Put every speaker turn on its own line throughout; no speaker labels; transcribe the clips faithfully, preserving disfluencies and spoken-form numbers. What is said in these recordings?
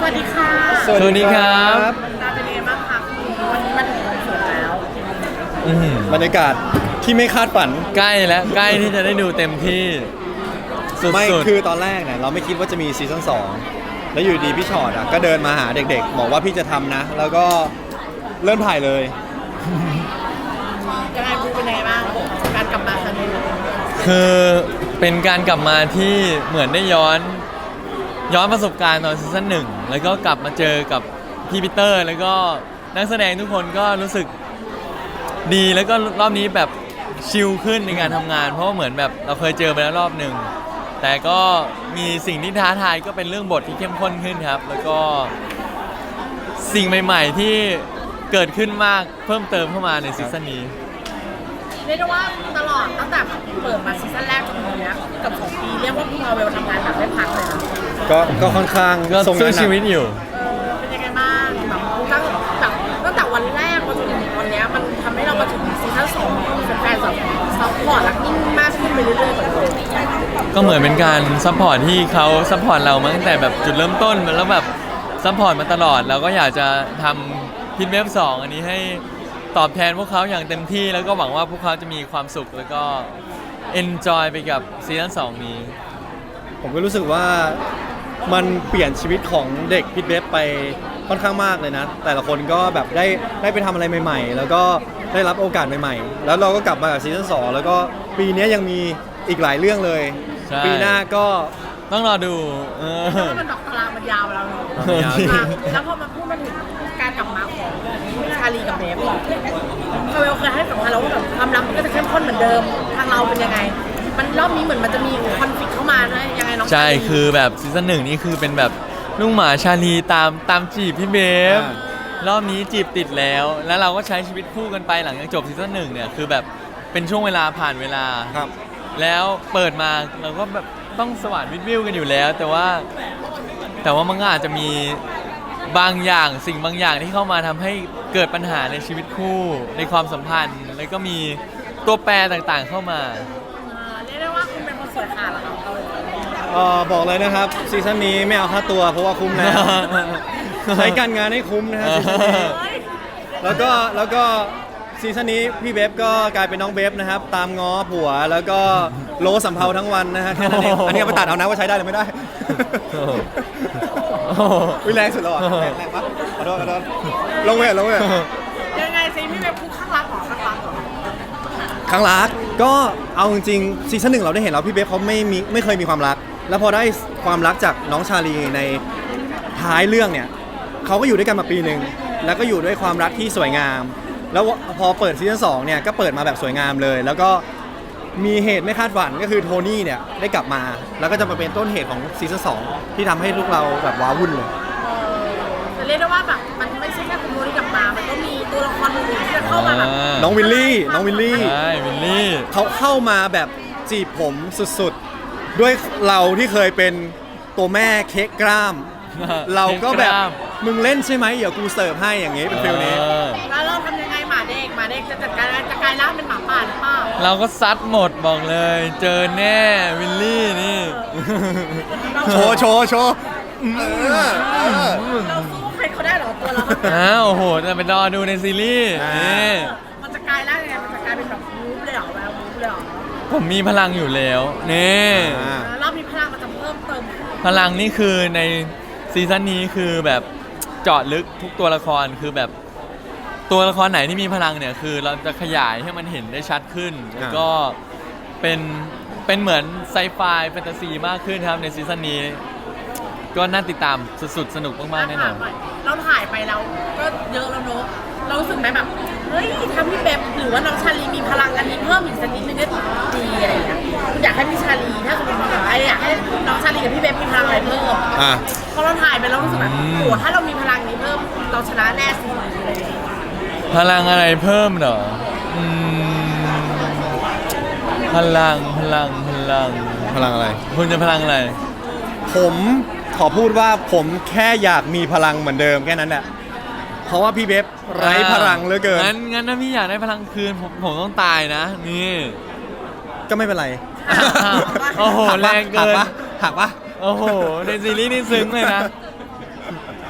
วัสดีค่ะ
สวัสดีครับ
ตาเป็นยังไงบ้างคะวันนี้มันถึงวันศุกร์แล้ว
บรรยากาศที่ไม่คาดฝัน
ใกล้แล้วใกล้ที่จะได้ดูเต็มที่สุดๆ
ไม่คือตอนแรกเนี่ยเราไม่คิดว่าจะมีซีซั่นสองแล้วอยู่ดีพี่ชอตอ่ะก็เดินมาหาเด็กๆบอกว่าพี่จะทำนะแล้วก็เริ่มถ่ายเลย
ยังไงเป็นยังไงบ้างการกลับมาครั้งนี้
คือเป็นการกลับมาที่เหมือนได้ย้อนย้อนประสบการณ์ตอนซีซั่นหนึ่งแล้วก็กลับมาเจอกับพี่ปีเตอร์แล้วก็นักแสดงทุกคนก็รู้สึกดีแล้วก็รอบนี้แบบชิลขึ้นในการทำงานเพราะว่าเหมือนแบบเราเคยเจอไปแล้วรอบหนึ่งแต่ก็มีสิ่งที่ท้าทายก็เป็นเรื่องบทที่เข้มข้นขึ้นครับแล้วก็สิ่งใหม่ๆที่เกิดขึ้นมากเพิ่มเติมเข้ามาในซีซั่นนี้
เรียกได้ว่าตลอดตั้งแต่เปิดมาซีซั่นแรกจนถึงนี้กับสองปีเรียกว่าพี่มาเวลทำงานแบบไม่พักเลยนะ
ก็ก็ค่อนข้าง
ก็สู้ชีวิตอยู่
เออเป็นยังไงบ้างแบบตั้งแบบตั้งแต่วันแรกมาจนถึงวันนี้มันทำให้เรามาถึงซีซั่นสองมีแฟนๆแบบซัพพอร์ตและยิ่งมากขึ้นไปเรื่อยๆเหมือนเดิม
ก็เหมือนเป็นการซัพพอร์ตที่เขาซัพพอร์ตเรามาตั้งแต่แบบจุดเริ่มต้นแล้วแบบซัพพอร์ตมาตลอดเราก็อยากจะทำพิทเวฟสองอันนี้ให้ตอบแทนพวกเขาอย่างเต็มที่แล้วก็หวังว่าพวกเขาจะมีความสุขแล้วก็เอนจอยไปกับซีซั่นสองนี้
ผมก็รู้สึกว่ามันเปลี่ยนชีวิตของเด็กพิทเวฟไปค่อนข้างมากเลยนะแต่ละคนก็แบบได้ได้ไปทำอะไรใหม่ๆแล้วก็ได้รับโอกาสใหม่ๆแล้วเราก็กลับมากับซีซั่นสองแล้วก็ปีนี้ยังมีอีกหลายเรื่องเลยปีหน้าก็
ต้องรอดูเออ
มันดอกตารางมันยาวแล้วเนาะแล้วพอมาพูดมาถึงการกลับมาของชาลีกับเบฟคาเวลเคยให้สัมภาษณ์เราว่าแบบความรักมันก็จะเข้มข้นเหมือนเดิมทางเราเป็นยังไงมันรอบนี้เหมือนมันจะมีคอนฟ lict เข้ามานะยังไงน้อง
ใช่คือแบบซีซั่นหนึ่งนี่คือเป็นแบบลูกหมาชาลีตามตามจีบพี่เบฟรอบนี้จีบติดแล้วแล้วเราก็ใช้ชีวิตคู่กันไปหลังจากจบซีซั่นหนึ่งเนี่ยคือแบบเป็นช่วงเวลาผ่านเวลาแล้วเปิดมาเราก็แบบต้องสว่านวิทวิวกันอยู่แล้วแต่ว่าแต่ว่ามันก็อาจจะมีบางอย่างสิ่งบางอย่างที่เข้ามาทำให้เกิดปัญหาในชีวิตคู่ในความสัมพันธ์แล้วก็มีตัวแปรต่างๆเข้ามา
เรียกได้ว่าคุณเป็นคนสวยขาดเหรอครับ
เออบอกเลยนะครับซีซั่นนี้ไม่เอาค่าตัวเพราะว่าคุ้มนะใช้การงานให้คุ้มนะฮะซีซั่นนี้แล้วก็แล้วก็ซีซั่นนี้พี่เบฟก็กลายเป็นน้องเบฟนะครับตามง้อผัวแล้วก็โลสัมเพาทั้งวันนะฮะแค่นั้นเองอันนี้เอาไปตัดเอานะว่าใช้ได้หรือไม่ได้วิแรงสุดแล้วอ่ะแรงแรงปะขอโทษขอโทษลงเวทลงเวท
ยังไงซีพี่เบฟคู่ข้างรักหรอข้างรักหรอ
ข้างรักก็เอาจริงๆซีซั่นหนึ่งเราได้เห็นแล้วพี่เบฟเขาไม่มีไม่เคยมีความรักแล้วพอได้ความรักจากน้องชาลีในท้ายเรื่องเนี่ยเขาก็อยู่ด้วยกันมาปีหนึ่งแล้วก็อยู่ด้วยความรักที่สวยงามแล้วพอเปิดซีซั่นสองเนี่ยก็เปิดมาแบบสวยงามเลยแล้วก็มีเหตุไม่คาดฝันก็คือโทนี่เนี่ยได้กลับมาแล้วก็จะมาเป็นต้นเหตุของซีซั่นสองที่ทำให้ลูกเราแบบว้าวุ่นเลย
แต่เรียกได้ว่าแบบมันไม่ใช่แค่คุณโทนี่กลับมามันก็มีตัวละครอื่นที่จะเข้ามาแบบ
น้องวิลลี่น้องวิลลี่
ใช่วิลลี่
เขาเข้ามาแบบจีบผมสุดๆด้วยเราที่เคยเป็นตัวแม่เค้กกล้ามเราก็แบบมึงเล่นใช่ไหมเดี๋ยวกูเสิร์ฟให้อย่างงี้เป็นฟิลนี้
แล้วเราทำยังไงหมาเด็กหมาเด็กจะจัดการจะกลายร่างเป็นหมาป่าหรือเปล่า
เราก็ซัดหมดบอกเลยเจอแน่วิลลี่นี่
โชว์โชว์โชว์
เราสู้ใครเขาได้หรอตัวเรา
อ้าวโอ้โหจะไปรอดูในซีรีส์นี่
มันจะกลายร่างยังไงมันจะกลายเป็นแบบมูฟเลยเหรอแบบมูฟเลยเหรอ
ผมมีพลังอยู่แล้วนี่
รอบมีพลังมันจะเพิ่มเติม
พลังนี่คือในซีซั่นนี้คือแบบเจาะลึกทุกตัวละครคือแบบตัวละครไหนที่มีพลังเนี่ยคือเราจะขยายให้มันเห็นได้ชัดขึ้นแล้วก็เป็นเป็นเหมือนไซไฟแฟนตาซีมากขึ้นครับในซีซั่นนี้ก็น่าติดตามสุดๆสนุกมากๆแน่นอน
เราถ่ายไปแล้วก็เยอะแล้วเนอะเรารู้สึกไหมแบบเฮ้ยทำพี่เบฟหรือว่าน้องชาลีมีพลังอันนี้เพิ่มอีกสักนิดนึงก็ดีอะไรอย่างเงี้ยอยากให้พี่ชาลีถ้าสมมติว่าไอ้อยากให้น้องชาลีกับพี่เบฟมีพลังอะไรเพิ่มพอเราถ่ายไปเรารู้สึกแบบโอ้ถ้าเรามีพลังนี้เพิ่มเราชนะแน่สิอะไรอย่างเงี้ย
พลังอะไรเพิ่มเหรออืมพลังพลังพลัง
พลังอะไร
คุณจะพลังอะไร
ผมขอพูดว่าผมแค่อยากมีพลังเหมือนเดิมแค่นั้นแหละเพราะว่าพี่เบฟไร้พลังเหลือเกิน
งั้นงั้นถ้าพี่อยากได้พลังคืนผมผมต้องตายนะนี่
ก็ไม่เป็นไร
โอ้โหแรงเกิน
หักปะ
โอ้โหในซีรีส์นี่ซึ้งเลยนะ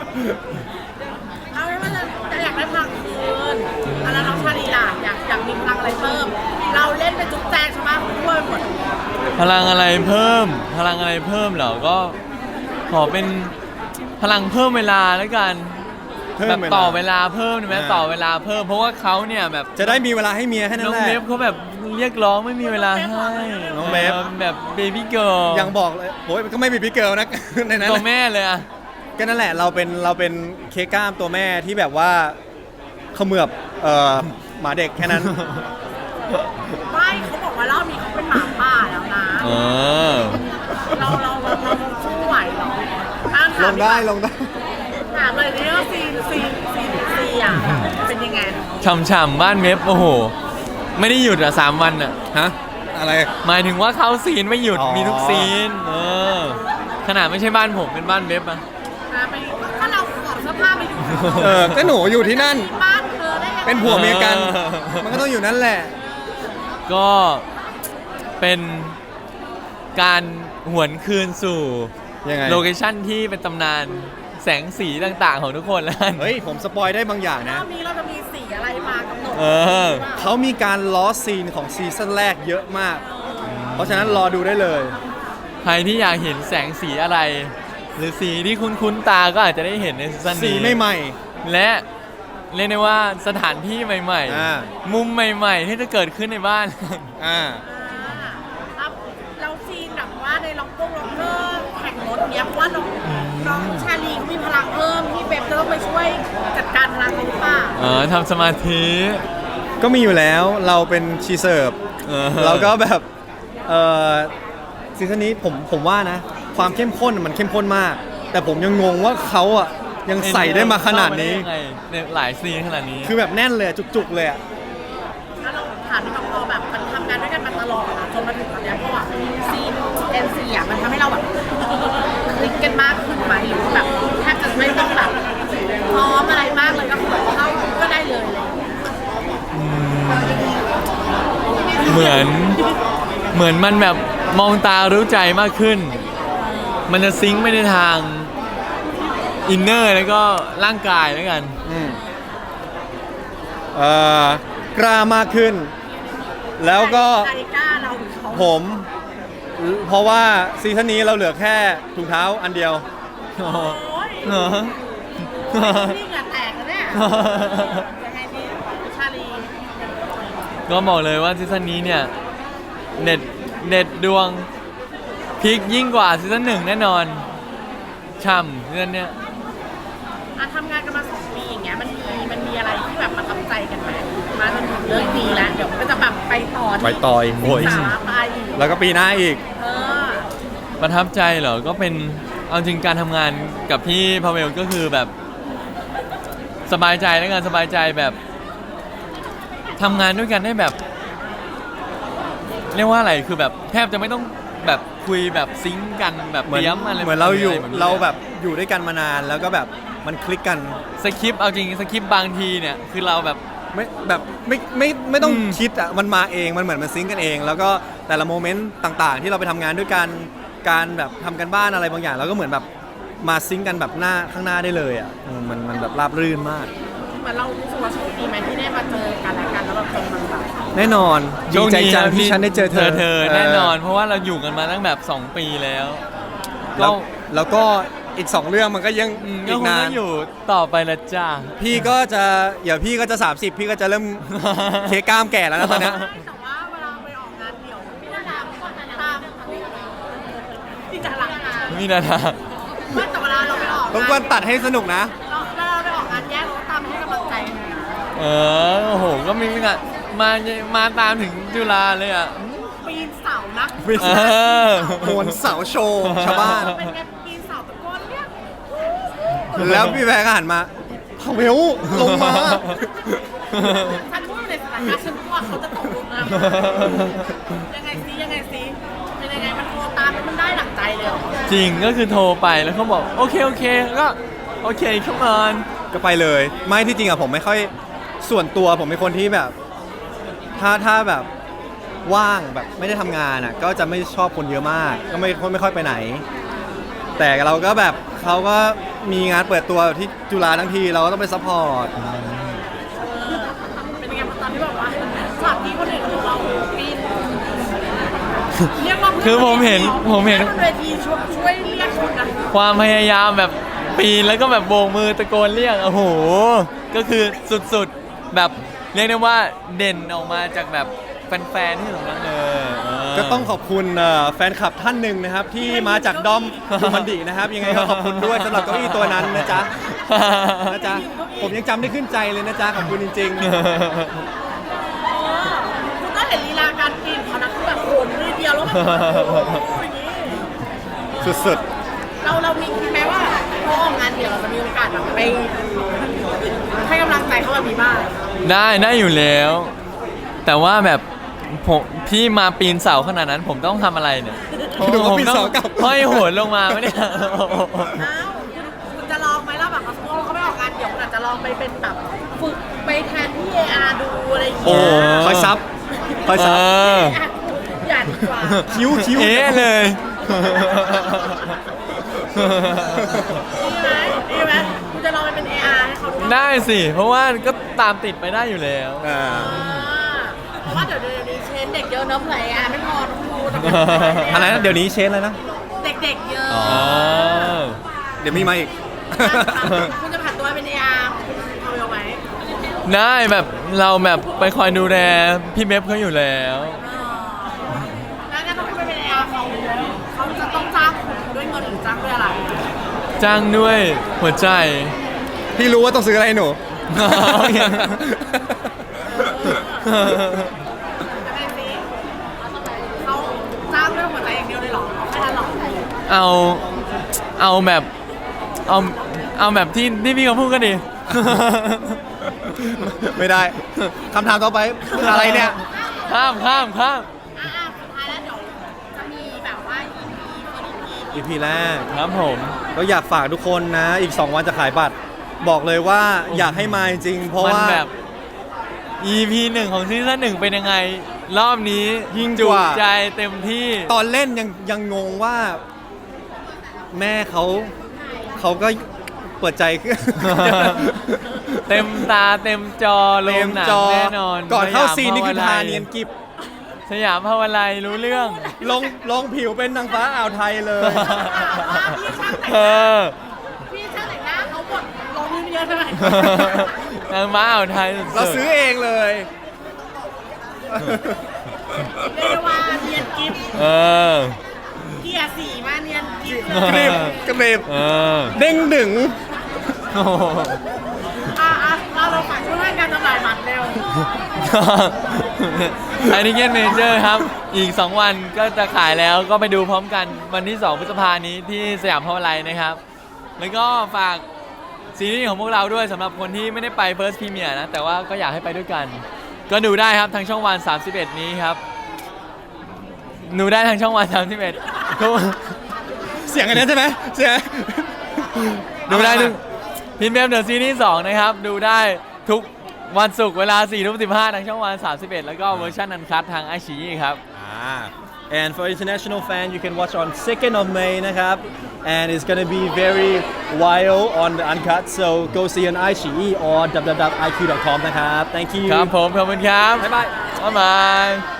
เอาไม่ว่าจะจะอยากได้พลังคืนอะแล้วน้องชาลีล่ะอยากอยากมีพลังอะไรเพิ่ม เราเล่นเป็นจุ๊บแจงใช่ไหมทั่วไปหมด
พลังอะไรเพิ่ม พลังอะไรเพิ่มเหรอก็ขอเป็นพลังเพิ่มเวลาแล้วกัน
เพิ่ม
แบบ
เวลา
ต่อเวลาเพิ่มใช่ไหม
อ่า
ต่อเวลาเพิ่มเพราะว่าเขาเนี่ยแบบ
จะได้มีเวลาให้เมียแค่นั้
น้
น
อง
แหละ
เบฟเขาแบบเรียกร้องไม่มีเวลาให้
น้องเบฟ
แบบเบบี้เกิร์ล
ยังบอกเลยโอ้ยก็ไม่มีพี่เกิร์ลนะ ในนั้น
ตัวแม่เลยอะ
ก็นั่นแหละเราเป็นเราเป็นเคกล้ามตัวแม่ที่แบบว่าเขมือบเอ่อหมาเด็กแค่นั้น
ไม่เขาบอกว่ารอบนี้เขาเป็นหมาป่าแล้วนะ
เออ
เราเราเราเราสู้ไหวเหรออ่ะ
ล
ถาม
งได้ลงได้
ถามเลยนี่ว่าซีนซีนซีนซีอ่ะเป็นยังไง
ฉ่ำๆบ้านเว็บโอ้โห ไม่ได้หยุดอะสามวันอะ
ฮะอะไร
หมายถึงว่าเขาซีนไม่หยุด
อ๋อ
มีทุกซีนเออขนาดไม่ใช่บ้านผมเป็นบ้านเว็บอะ
อ่ะไปถ้าเราขอดเสื้อผ้าไปอยู่
เออก็หนูอยู่ที่นั่น
บ้านเธอได้ยังไง
เป็นผัวเมียกัน มันก็ต้องอยู่นั่นแหละ
ก็เป็นการหวนคืนสู่
ยังไง
โลเคชั่นที่เป็นตำนานแสงสีต่างๆของทุกคนแล้วกัน
เฮ้ยผมสปอยได้บางอย่าง
ร
นะ
อบนี้เราจะมีสีอะไรมากำหนด
เออ
เขามีการล้อซีนของซีซั่นแรกเยอะมาก เพราะฉะนั้นรอดูได้เลย
ใครที่อยากเห็นแสงสีอะไร หรือสีที่คุ้นๆตาก็อาจจะได้เห็นในซีซั่น
สี
นี้
ใหม่
และเรียกได้ว่าสถานที่ใหม่
อ่า
ๆ มุมใหม่ๆ ที่จะเกิดขึ้นในบ้าน
ๆอ่า
อ่าครับเราซีนแบบว่าในล็อกโก้ล็อกเกอร์แข่งรถเนี้ยเพราะว่าน้องน้องชาลีเขามีพลังเพิ่มพี่เบบจะต้องไปช่วยจัดการพลังเขาหรือเปล่า
เออทำสมาธิ
ก็มีอยู่แล้วเราเป็นชีเสิร์ฟ
ออ
เราก็แบบเออซีซั่นนี้ผมผมว่านะ ความเข้มข้นมันเข้มข้นมาก แต่ผมยังงงว่าเขาอ่ะยังใส่ได้มาขนาดนี้
เข้มได้ยังไงในหลายซีนขนาดนี้
คือแบบแน่นเลยอะจุกๆเลยอะ
ถ้าเราถามที่แบบพอแบบมันทำงานด้วยกันมาตลอดอะจนมาถึงตอนเนี้ยเพราะว่าซีนเอ็นซีอะมันทำให้เราแบบคลิกกันมากขึ้นไหมหรือว่าแบบแทบจะไม่ต้องแบบพร้อมอะไรมากเลยก็คือแบบเข้าก็ได้เลยอะไรอย่างเลย
เหมือนเหมือนมันแบบมองตารู้ใจมากขึ้น มันจะซิงค์ไปในทางอินเนอร์แล้วก็ร่างกายแล้วกัน
อืมเอ่อกล้ามากขึ้น แล้วก็
นาฬิกาเราเขา
ผม เพราะว่าซีซั่นนี้เราเหลือแค่ถุงเท้าอันเดียว
โอ้ย
เหรอ
นี่เหงื่อแตกแล้วเนี่ยยังไงดีชาลี
ก็บอกเลยว่าซีซั่นนี้เนี่ยเน็ตเน็ตดวงพีคยิ่งกว่าซีซั่นหนึ่งแน่นอนช่ำซีซั่นเนี้ย
อ่ะทำงานกันมาสองปีอย่างเงี้ยมันมีมันมีอะไรที่แบบประทับใจกันไหมมาจนถึงเรื่องนี้แล้วเดี๋ยวมันก็จะแบบไปต่อที่
ไปต่ออีกโอ้ย
สิบสามไปอีก
แล้วก็ปีหน้าอีก
เออ
ประทับใจเหรอ ก็เป็นเอาจริงการทำงานกับพี่พาเวลก็คือแบบสบายใจแล้วกันสบายใจแบบทำงานด้วยกันได้แบบ เรียกว่าอะไรคือแบบแทบจะไม่ต้องแบบคุยแบบซิงค์กันแบบ
เหมือน
เตรียมอะไร
เหมือนเราอยู่
ะไนี้
เราแบบอยู่ด้วยกันมานานแล้วก็แบบมันคลิกกัน
สคริปต์เอาจริงสคริปต์บางทีเนี่ยคือเราแบบ
ไม่แบบไม่ไม่ไม่ต้อง
อืม
คิดอ่ะมันมาเองมันเหมือนมันซิงก์กันเอง แล้วก็แต่ละโมเมนต์ต่างๆ ที่เราไปทำงานด้วยกันการแบบทำกันบ้านอะไรบางอย่างแล้วก็เหมือนแบบมาซิงก์กันแบบหน้าข้างหน้าได้เลยอ่ะอืมมันมันแบบราบรื่นมาก
เหมือนเรารู้สึกว่าโชคดีไหมที่ได้มาเจอกันและกันแล้วแบบจนมันแบบ
แน่นอนดีใจจังที่ฉันได้เจอเธอ
เธอแน่นอน เพราะว่าเราอยู่กันมาตั้งแบบสองปีแล้ว
แล้
ก็
วแล้วก็อีกสองเรื่องมันก็ยัง
อืมก็
อี
ค
ก
ง
นา
ต้
น
องอยู่ต่อไปละจ้า
พี่ก็จะเดี๋ยวพี่ก็จะ สามสิบ พี่ก็จะเริ่ม เคกล้ามแก่แล้วนะตอนเนี้ย
ไม่แต่ว่าเวลาไปออกงานเดี่ยวพี่นาดามก็ตามพี่จะหลังงาน
มีนาทา
ว่าแต่เวลาเราไปออก
ต้อง
งาน
ควรตัดให้สนุกนะ
เราเวลาเราไปออกงานแยกเราก็ตามให้กำลังใจนะ
เออโอ้โหก็มีงานมามาตามถึงจุฬาเลยอ่ะ
ปีนเสานะ
ปีน
เอ
เสา
อ
โหนเสาโชว์ชาวบ้าน
เป็นไงปีนเสาตะโกนเรียก
แล้วพี่แพรก็หันมาพาเวลลงมา
ฉันพูดในสถานการณ์ฉันกลัวเขาจะตกลงมายังไงซิยังไงซิเป็นยังไงมันโทรตามแล้วมันได้หลังใจเลยเหรอ
จริงก็คือโทรไปแล้วเขาบอกโอเคโอเคก็โอเคเข้ามา
ก็ไปเลย ไม่ที่จริงอะผมไม่ค่อยส่วนตัวผมเป็นคนที่แบบ ถ้าถ้าแบบว่างแบบไม่ได้ทำงานอะก็จะไม่ชอบคนเยอะมาก ก็ไม่ไม่ค่อยไปไหน แต่เราก็แบบเขาก็มีงานเปิดตัวที่จุฬาทั้งทีเราก็ต้องไปซัพพอร์ต
เป็นยังไงตอนที่แบบว่าฉากที่คนอื่นของเราปีนเรียกว่า
คือผมเห็นผมเห็น
เวทีช่วยช่วยเรียกคนนะ
ความพยายามแบบปีนแล้วก็แบบโบกมือตะโกนเรียกโอ้โหก็คือสุดๆแบบเรียกได้ว่าเด่นออกมาจากแบบแฟนๆที่ตรงนั้นเลยเออ
ก็ต้องขอบคุณเอ่อแฟนคลับท่านหนึ่งนะครับ ที่มาจากดอมดูมันดีนะครับ ยังไงก็ขอบคุณด้วยสำหรับเก้าอี้ตัวนั้นนะจ๊ะนะจ๊ะผมยังจำได้ขึ้นใจเลยนะจ๊ะขอบคุณจริง
คุณก็เห็นลีลาการปีนเขานะคือแบบโหนมือเดียวแล้วแบบโอ้โหอย่างนี้
ๆ สุด
เราเรามีคิดไหมว่าพอออกงานเดี๋ยวเราจะมีโอกาสแบบไปให้กำลังใจเขาแบบนี้บ้าง
ได้ได้อยู่แล้ว แต่ว่าแบบผมพี่มาปีนเสาขนาดนั้นผมต้องทำอะไรเนี่ย
ๆดูเขาปีนเสากับ
ห้อยโหนลงมาไม่ได้
อ้าวคุณคุณจะลองไหมล่ะแบบสมมติว่าเขาไม่ออกงานเดี๋ยวคุณอาจจะลองไปเป็นแบบฝึกไปแทนที่ เอ อาร์ ดูอะไรอย่าง
โอ้
เงี้ย
คอยซับคอย
เอ
ซับ
อ
อย่าดีกว่า
คิ้วคิ้ว
เอ๊ะเลย
ดีไหมดีไหมคุณจะลองไปเป็น เอ อาร์ ให้เขาดูบ้าง
ได้สิ เพราะว่าก็ตามติดไปได้อยู่แล้ว
อ่า
เพราะว่าเดี๋ยวเดี๋ยวนี้เชนเด็กเยอะเนอะเผื่อ เอ อาร์ ไม่พอต้องดูต้อง
อะไรนะเดี๋ยวนี้เชนเลยนะ
เด็กๆเยอะ
อ๋อ
เดี๋ยวมีมาอีก
คุณจะผันตัวเป็น เอ อาร์ คุณเอาไปเอาไหม
ได้แบบเราแบบไปคอยดูแลพี่เบฟเขาอยู่แล้ว
แล้วถ้าเขาไม่เป็น เอ อาร์ เขาเขาจะต้องจ้างคุณด้วยเงินหรือจ้างด้วยอะไร
จ้างด้วยหัวใจ
พี่รู้ว่าต้องซื้ออะไรให้หนู
โอเค
จะเป็นสิเขาจ้างด้วยหัวใจอย่างเดียวเลยเหรอเอาแค่นั้นเหรอ
เอาเอาแบบเอาเอาแบบที่ที่พี่เขาพูดกันดิ
ไม่ได้คำถามต่อไปอะไรเนี่ย
ข้ามข้ามข้าม
อ่าสุดท้ายแล้วเดี๋ยวจะมีแบบว่า อี พี เฟิร์ส อี พี
อีพีแรก
ครับผม
ก็อยากฝากทุกคนนะ อีก สอง วันจะขายบัตร บอกเลยว่าอยากให้มาจริงๆเพราะ
มัน
ว่า
แบบ อี พี หนึ่งของซีซั่นหนึ่งเป็นยังไง รอบนี้
ยิ่ง
จุ
กว่า
ใจเต็มที่
ตอนเล่นยังยังงงว่า แม่เขาเขาก็เปิดใจ
เต็มตาเต็มจอล
เต็
ง
ม
หนัง
จอ
แน่นอน
ก่อนเข้า
สยม
ซีนนี่คือ
ภว
ทา
ลัย
เนียนกิบ
สยามภาวไลยรู้เรื่อง
ลงลงผิวเป็นนางฟ้าอ่าวไทยเลย
เออ
พี่ช่างแต่งหน้าเขาบดลงมือเยอะเท่าไหร่
นางม้าอ่าวไทยสุดๆ
เราซื้อเองเลย
เรียกได้ว่าเนียนกิฟต์
เออ
เกียร์สี่มาเนียนกิฟต์
กรีบกรีบ
เออ
เด้งดึง
โอ้โห
อ่ะอ่ะเราเราฝากช่วยการจำหน่ายบัตรเร็ว
ไอนิเกนเมเจอร์ครับ อีก สอง วันก็จะขายแล้วก็ไปดูพร้อมกันวันที่ สอง พฤษภานี้ที่สยามพาวไลน์นะครับ แล้วก็ฝากซีรีส์ของพวกเราด้วยสำหรับคนที่ไม่ได้ไป First Premiere นะ แต่ว่าก็อยากให้ไปด้วยกัน ก็ดูได้ครับทางช่องวัน สามสิบเอ็ด นี้ครับ ดูได้ทางช่องวัน สามสิบเอ็ด ทุก
เสียงอันนั้นใช่ไหมเสียง
ดูได้ทุกพินเบมเดอะซีรีส์สองนะครับ ดูได้ทุกวันศุกร์เวลา สี่ทุ่มสิบห้า ทางช่องวัน สามสิบเอ็ด แล้วก็เวอร์ชันอันคัททางไอชีครับ
Ah, and for international fan, you can watch on second of May นะครับ and it's gonna be very wild on the uncut so go see on iQIYI or w w w dot i q dot com นะครับ thank you
ครับผม ขอบคุณครับ
บ๊ายบาย
บ๊ายบาย